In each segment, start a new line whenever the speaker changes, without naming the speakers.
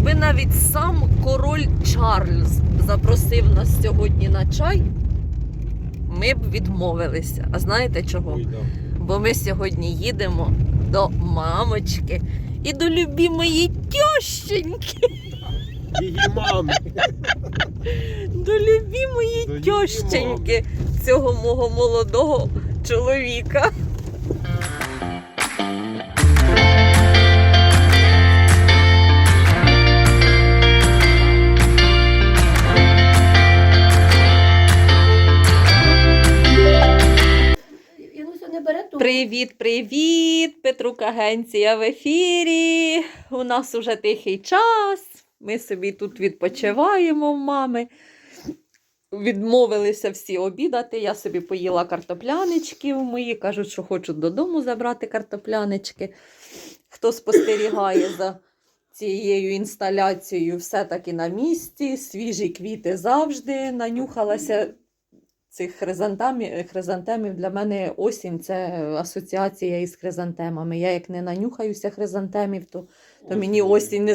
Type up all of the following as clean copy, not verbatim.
Якби навіть сам король Чарльз запросив нас сьогодні на чай, ми б відмовилися. А знаєте чого?
Ой, да.
Бо ми сьогодні їдемо до мамочки і до любимої тьощеньки.
Її мами.
До любимої
До її
тьощеньки цього мого молодого чоловіка. Привіт, привіт! Петрук Агенція в ефірі. У нас уже тихий час. Ми собі тут відпочиваємо в мами. Відмовилися всі обідати. Я собі поїла картоплянички мої. Кажуть, що хочуть додому забрати картоплянички. Хто спостерігає за цією інсталяцією, все-таки на місці. Свіжі квіти завжди. Нанюхалася цих хризантемів. Для мене осінь – це асоціація із хризантемами. Я як не нанюхаюся хризантемів, то мені осінь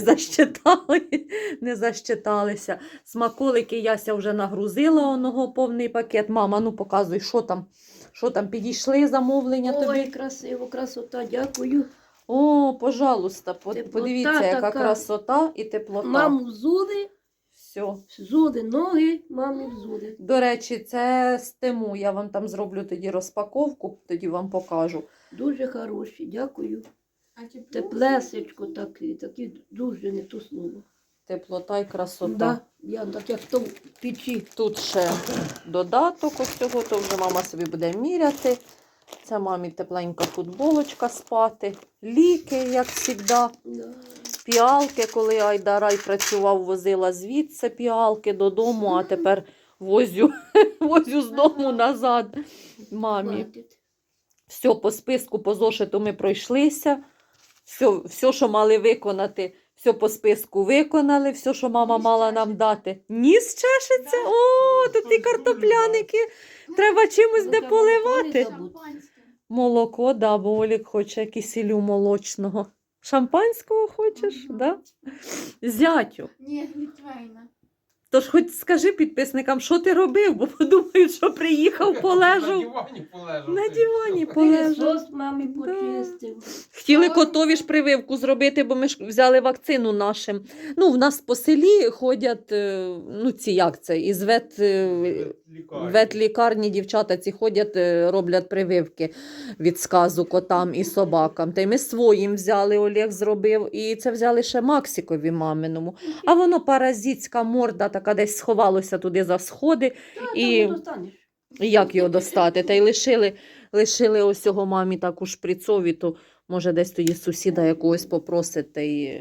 не защиталися. Смаколики Яся вже нагрузила оного повний пакет. Мама, ну показуй, що там? Що там, підійшли замовлення тобі?
Ой, красиво, красота, дякую.
О, пожалуйста,
Теплота
подивіться, яка
така.
красота і теплота.
Маму взули,
Все.
взули ноги, мамі взули.
До речі, це з Тему. Я вам там зроблю тоді розпаковку, тоді вам покажу.
Дуже хороші, дякую. Теплесечко такі дуже не то слово.
Теплота і красота.
Да, я так як то в печі.
Тут ще додаток ось цього, то вже мама собі буде міряти. Це мамі тепленька футболочка спати. Ліки, як завжди.
Да.
Піалки, коли Айдарай працював, возила звідси піалки додому, а тепер возю з дому назад мамі.
Хватить.
Все, по списку, по зошиту ми пройшлися. Все, що мали виконати, все по списку виконали. Все, що мама мала нам дати. Ніс чешеться? О, тут і картопляники. Треба чимось де поливати. Молоко, да, бо Олік хоче кисілю молочного. Шампанського хочеш, да? Зятю.
Ні, Літвейна.
Тож хоч скажи підписникам, що ти робив, бо подумають, що приїхав, полежав.
На дивані полежав.
На дивані полежав.
Пилісос мамі почистив.
Хотіли котові ж прививку зробити, бо ми ж взяли вакцину нашим. Ну, в нас по селі ходять, ну ці як це, із ветлікарні дівчата ці ходять, роблять прививки від сказу котам і собакам. Та й ми своїм взяли, Олег зробив, і це взяли ще Максикові маминому. А воно паразитська морда, така десь сховалося туди за сходи. І як його достати? Та й лишили ось цього мамі таку шприцові, то може десь тоді сусіда якогось попросить, та й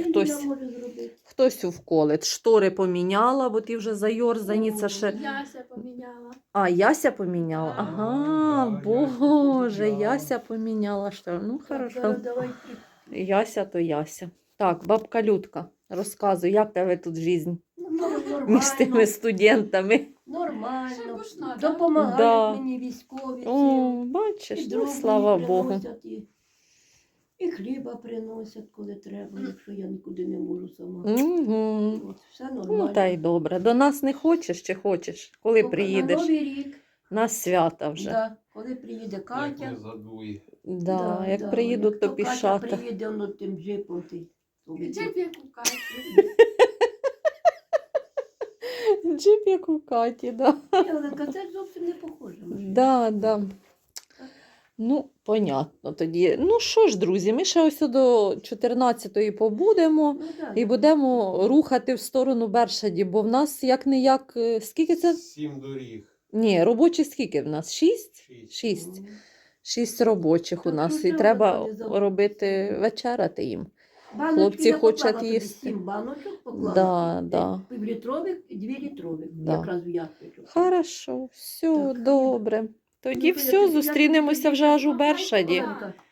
хтось вколить. Штори поміняла, бо ті вже зайорзані, це ще...
Яся поміняла.
А, Яся поміняла? Ага, Боже, Яся поміняла штори. Ну, хорошо. Яся то Яся. Так, бабка Людка, розказуй, як тебе тут життя між тими студентами?
Нормально.
Да?
Допомагають
Да.
мені військові.
О, бачиш, ну,
дров
слава
мені
Богу.
приносять, і хліба приносять, коли треба, якщо я нікуди не можу сама.
Угу.
От, все нормально.
Ну, та й добре. До нас не хочеш чи хочеш? Коли
На
приїдеш?
Новий рік.
На свята вже.
Да. Коли приїде
Як
Катя.
не задує.
Да, як приїдуть, то
Катя
пішата.
приїде, воно тим джипом.
Джип як у Каті.
Джип як у Каті, да.
Оленка, це зовсім не похоже.
Да, да. Ну, понятно тоді. Ну що ж, друзі, ми ще ось до 14-ї побудемо
Ну, да,
і будемо рухати в сторону Бершаді, бо в нас як-не-як, скільки це?
7 доріг.
Ні, робочі скільки в нас? 6? 6. 6 робочих у
Так,
нас.
ну,
І
треба
треба
тоді забути.
робити вечеряти їм.
Баночки
Хлопці
я
хочуть
поклала тобі
їсти.
7 баночок поклала.
Да, да.
Півлітрових і 2 літрових.
Да.
Якраз в ящичок.
Хорошо, все,
Так.
добре. Тоді
Ну,
все, зустрінемося вже аж у Бершаді.
Оленка,